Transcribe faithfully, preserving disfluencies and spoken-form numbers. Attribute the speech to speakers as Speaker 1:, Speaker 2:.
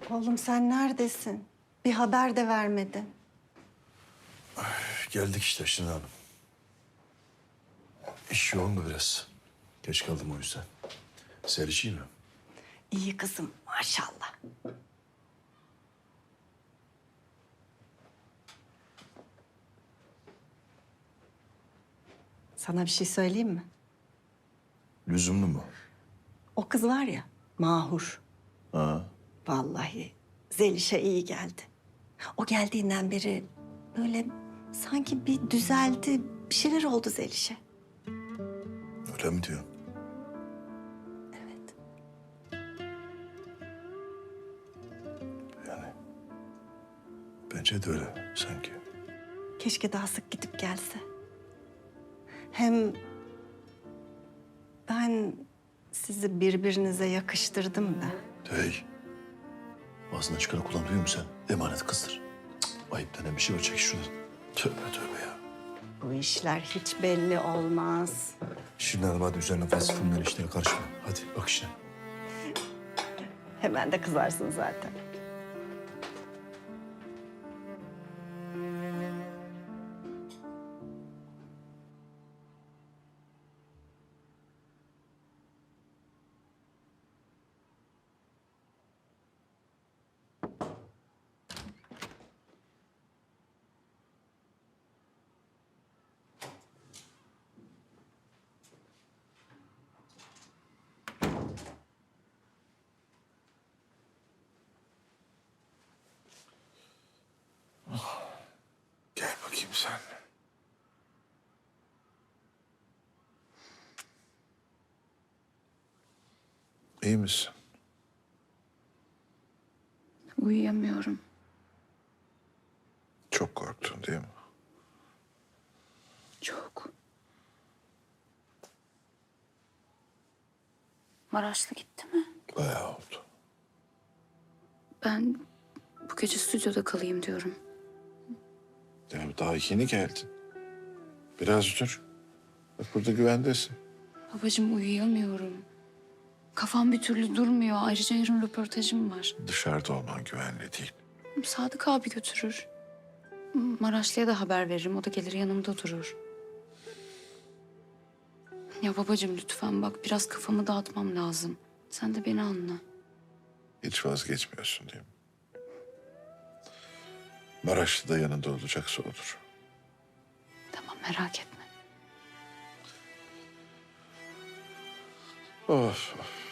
Speaker 1: Oğlum sen neredesin? Bir haber de vermedin.
Speaker 2: Geldik işte Şirin Hanım. İş yoğundu biraz. Geç kaldım o yüzden. Seriş iyi mi?
Speaker 1: İyi kızım maşallah. Sana bir şey söyleyeyim mi?
Speaker 2: Lüzumlu mu?
Speaker 1: O kız var ya Mahur.
Speaker 2: Ha.
Speaker 1: Vallahi Zeliş'e iyi geldi. O geldiğinden beri böyle sanki bir düzeldi. Bir şeyler oldu Zeliş'e.
Speaker 2: Öyle mi diyorsun?
Speaker 1: Evet.
Speaker 2: Yani bence de öyle sanki.
Speaker 1: Keşke daha sık gidip gelse. Hem ben sizi birbirinize yakıştırdım da.
Speaker 2: Hey. Ağzından çıkanı kullan duyuyor musun sen? Emanet kızdır. Cık, ayıp denen bir şey var. Çek şuradan. Tövbe tövbe ya.
Speaker 1: Bu işler hiç belli olmaz.
Speaker 2: Şirin Hanım hadi üzerine fazla fırınların işlerine karışma. Hadi bak işine.
Speaker 1: Hemen de kızarsın zaten.
Speaker 2: Gel bakayım sen. İyi misin?
Speaker 3: Uyuyamıyorum.
Speaker 2: Çok korktun değil mi?
Speaker 3: Çok. Maraşlı gitti mi?
Speaker 2: Bayağı oldu.
Speaker 3: Ben bu gece stüdyoda kalayım diyorum.
Speaker 2: Ya daha yeni geldin. Biraz dur. Bak burada güvendesin.
Speaker 3: Babacığım uyuyamıyorum. Kafam bir türlü durmuyor. Ayrıca yarın röportajım var.
Speaker 2: Dışarıda olman güvenli değil.
Speaker 3: Sadık abi götürür. Maraşlı'ya da haber veririm. O da gelir yanımda durur. Ya babacığım lütfen bak biraz kafamı dağıtmam lazım. Sen de beni anla.
Speaker 2: Hiç vazgeçmiyorsun değil mi? Maraşlı da yanında olacaksa odur.
Speaker 3: Tamam merak etme.
Speaker 2: Of of.